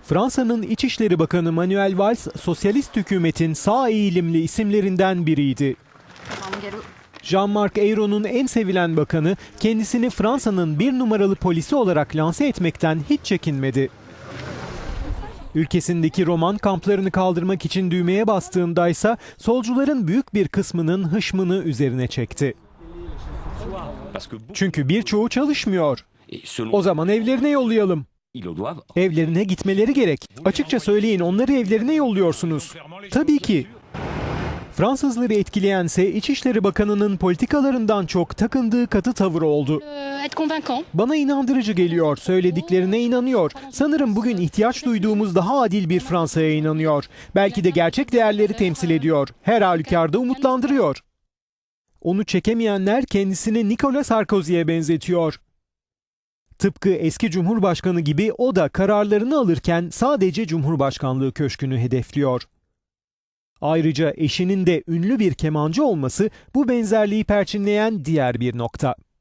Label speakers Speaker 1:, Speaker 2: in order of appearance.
Speaker 1: Fransa'nın İçişleri Bakanı Manuel Valls, sosyalist hükümetin sağ eğilimli isimlerinden biriydi. Jean-Marc Ayrault'un en sevilen bakanı, kendisini Fransa'nın bir numaralı polisi olarak lanse etmekten hiç çekinmedi. Ülkesindeki roman kamplarını kaldırmak için düğmeye bastığındaysa solcuların büyük bir kısmının hışmını üzerine çekti. Çünkü birçoğu çalışmıyor. O zaman evlerine yollayalım. Evlerine gitmeleri gerek. Açıkça söyleyin, onları evlerine yolluyorsunuz. Tabii ki. Fransızları etkileyense İçişleri Bakanı'nın politikalarından çok takındığı katı tavır oldu. Bana inandırıcı geliyor, söylediklerine inanıyor. Sanırım bugün ihtiyaç duyduğumuz daha adil bir Fransa'ya inanıyor. Belki de gerçek değerleri temsil ediyor. Her halükarda umutlandırıyor. Onu çekemeyenler kendisini Nicolas Sarkozy'ye benzetiyor. Tıpkı eski Cumhurbaşkanı gibi o da kararlarını alırken sadece Cumhurbaşkanlığı köşkünü hedefliyor. Ayrıca eşinin de ünlü bir kemancı olması bu benzerliği perçinleyen diğer bir nokta.